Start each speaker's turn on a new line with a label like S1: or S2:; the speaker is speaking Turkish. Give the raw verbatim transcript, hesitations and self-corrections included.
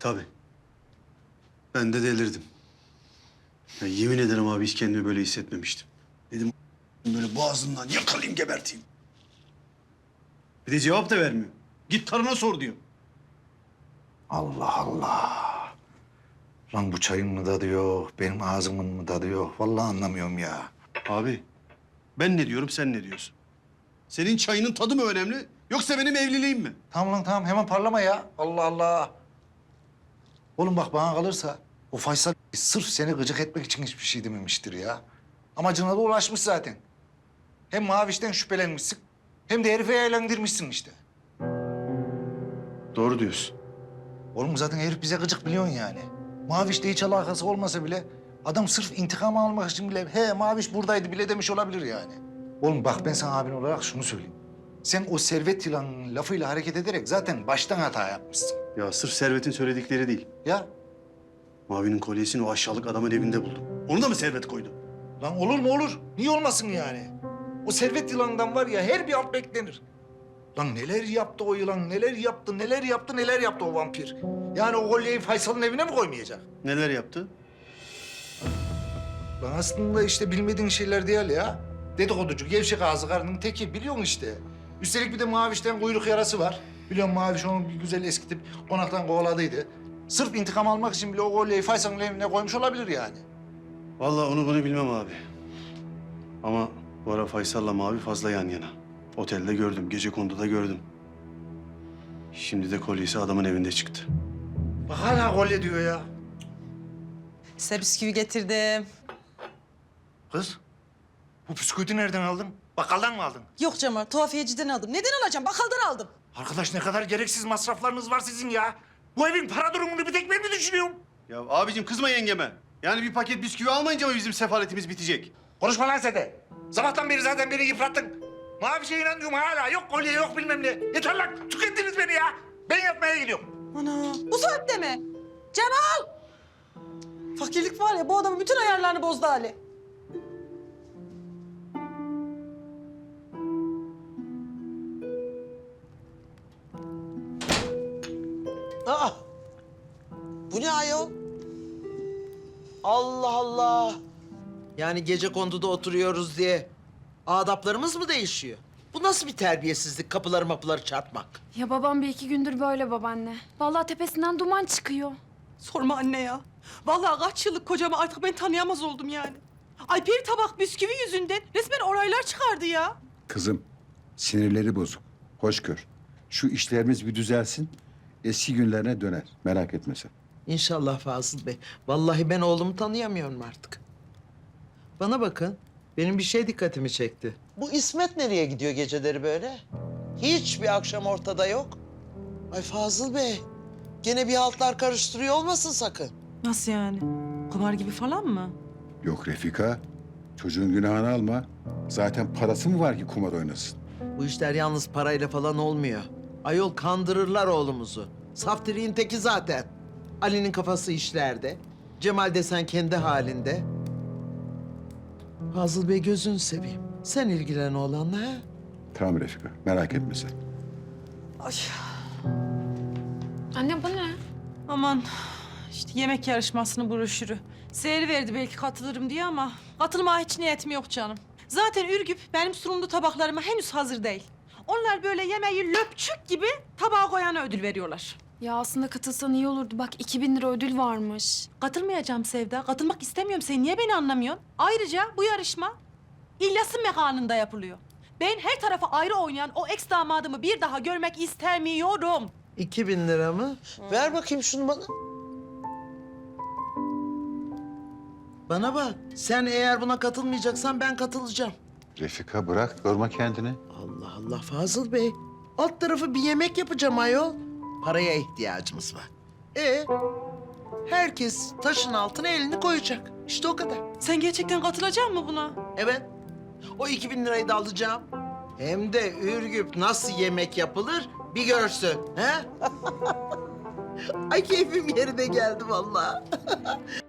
S1: Tabii. Ben de delirdim. Ya yemin ederim abi hiç kendimi böyle hissetmemiştim. Dedim böyle boğazından yakalayayım geberteyim. Bir de cevap da vermiyor. Git karına sor diyor.
S2: Allah Allah. Lan bu çayın mı tadı yok, benim ağzımın mı tadı yok? Vallahi anlamıyorum ya.
S1: Abi ben ne diyorum sen ne diyorsun? Senin çayının tadı mı önemli yoksa benim evliliğim mi?
S2: Tamam lan tamam, hemen parlama ya. Allah Allah. Oğlum bak bana kalırsa o Faysal sırf seni gıcık etmek için hiçbir şey dememiştir ya. Amacına da ulaşmış zaten. Hem Maviş'ten şüphelenmişsin hem de herife eğlendirmişsin işte.
S1: Doğru diyorsun.
S2: Oğlum zaten herif bize gıcık biliyorsun yani. Maviş'le hiç alakası olmasa bile adam sırf intikam almak için bile he Maviş buradaydı bile demiş olabilir yani. Oğlum bak ben sana abin olarak şunu söyleyeyim. Sen o servet yılanının lafıyla hareket ederek zaten baştan hata yapmışsın.
S1: Ya sırf Servet'in söyledikleri değil.
S2: Ya
S1: Mavi'nin kolyesini o aşağılık adamın evinde buldum. Onu da mı Servet koydu?
S2: lan olur mu olur? Niye olmasın yani? O servet yılanından var ya her bir alt beklenir. Lan neler yaptı o yılan, neler yaptı, neler yaptı, neler yaptı o vampir. Yani o kolyeyi Faysal'ın evine mi koymayacak?
S1: Neler yaptı?
S2: Lan aslında işte bilmediğin şeyler değil ya. Dedikoducu, gevşek ağzı karının teki biliyorsun işte. Üstelik bir de Maviş'ten kuyruk yarası var. Biliyorum Maviş onu bir güzel eskitip konaktan kovaladıydı. Sırf intikam almak için bile o kolyeyi Faysal'ın evine koymuş olabilir yani.
S1: Vallahi onu bunu bilmem abi. Ama bu ara Faysal'la Mavi fazla yan yana. Otelde gördüm, gecekonduda gördüm. Şimdi de kolyesi adamın evinde çıktı.
S2: Bak hala kolye diyor ya.
S3: Size bisküvi getirdim.
S2: Kız, bu bisküviti nereden aldın? Bakkaldan mı aldın?
S3: Yok Cemal, tuhafiyeciden aldım. Neden alacağım? Bakkaldan aldım.
S2: Arkadaş ne kadar gereksiz masraflarınız var sizin ya. Bu evin para durumunu bir tek ben mi düşünüyorum?
S1: Ya abicim kızma yengeme. Yani bir paket bisküvi almayınca mı bizim sefaletimiz bitecek?
S2: Konuşma lan sen de. Sabahtan beri zaten beni yıprattın. Mavi şeye inanıyorum hala. Yok kolye yok bilmem ne. Yeter lan tükettiniz beni ya. Ben yatmaya gidiyorum.
S3: Ana, bu saatte mi? Cemal! Fakirlik var ya, bu adamın bütün ayarlarını bozdu Ali.
S4: Aa! Bu ne ayol? Allah Allah! Yani gece konduda oturuyoruz diye adaplarımız mı değişiyor? Bu nasıl bir terbiyesizlik, kapıları mapıları çarpmak?
S5: Ya babam bir iki gündür böyle babaanne. Vallahi tepesinden duman çıkıyor.
S3: Sorma anne ya. Vallahi kaç yıllık kocamı artık ben tanıyamaz oldum yani. Ay bir tabak bisküvi yüzünden resmen oraylar çıkardı ya.
S6: Kızım, sinirleri bozuk. Hoş gör. Şu işlerimiz bir düzelsin, eski günlerine döner. Merak etme sen.
S4: İnşallah Fazıl Bey. Vallahi ben oğlumu tanıyamıyorum artık. Bana bakın, benim bir şey dikkatimi çekti. Bu İsmet nereye gidiyor geceleri böyle? Hiçbir akşam ortada yok. Ay Fazıl Bey, gene bir haltlar karıştırıyor olmasın sakın.
S3: Nasıl yani? Kumar gibi falan mı?
S6: Yok Refika, çocuğun günahını alma. Zaten parası mı var ki kumar oynasın?
S4: Bu işler yalnız parayla falan olmuyor. Ayol kandırırlar oğlumuzu. Saftiriğin teki zaten. Ali'nin kafası işlerde. Cemal desen kendi halinde. Fazıl Bey gözünü seveyim. Sen ilgilen oğlanla ha.
S6: Tamam Refika, merak etme sen.
S3: Ay
S5: Anne bu ne?
S3: aman işte yemek yarışmasının broşürü. Seyri verdi belki katılırım diye ama katılmaya hiç niyetim yok canım. Zaten Ürgüp benim sunumlu tabaklarıma henüz hazır değil. Onlar böyle yemeği löpçük gibi tabağa koyana ödül veriyorlar.
S5: Ya aslında katılsan iyi olurdu. Bak iki bin lira ödül varmış.
S3: Katılmayacağım Sevda. Katılmak istemiyorum. Sen niye beni anlamıyorsun? Ayrıca bu yarışma İlyas'ın mekanında yapılıyor. Ben her tarafa ayrı oynayan o ex damadımı bir daha görmek istemiyorum.
S4: İki bin lira mı? Ver bakayım şunu bana. Bana bak. Sen eğer buna katılmayacaksan ben katılacağım.
S6: Refika bırak, yorma kendini.
S4: Allah Allah Fazıl Bey. Alt tarafı bir yemek yapacağım ayol. Paraya ihtiyacımız var. E herkes taşın altına elini koyacak. İşte o kadar.
S3: Sen gerçekten katılacak mısın buna?
S4: Evet. O iki bin lirayı da alacağım. Hem de Ürgüp nasıl yemek yapılır bir görsün. He? Ay keyfim yerine geldi vallahi.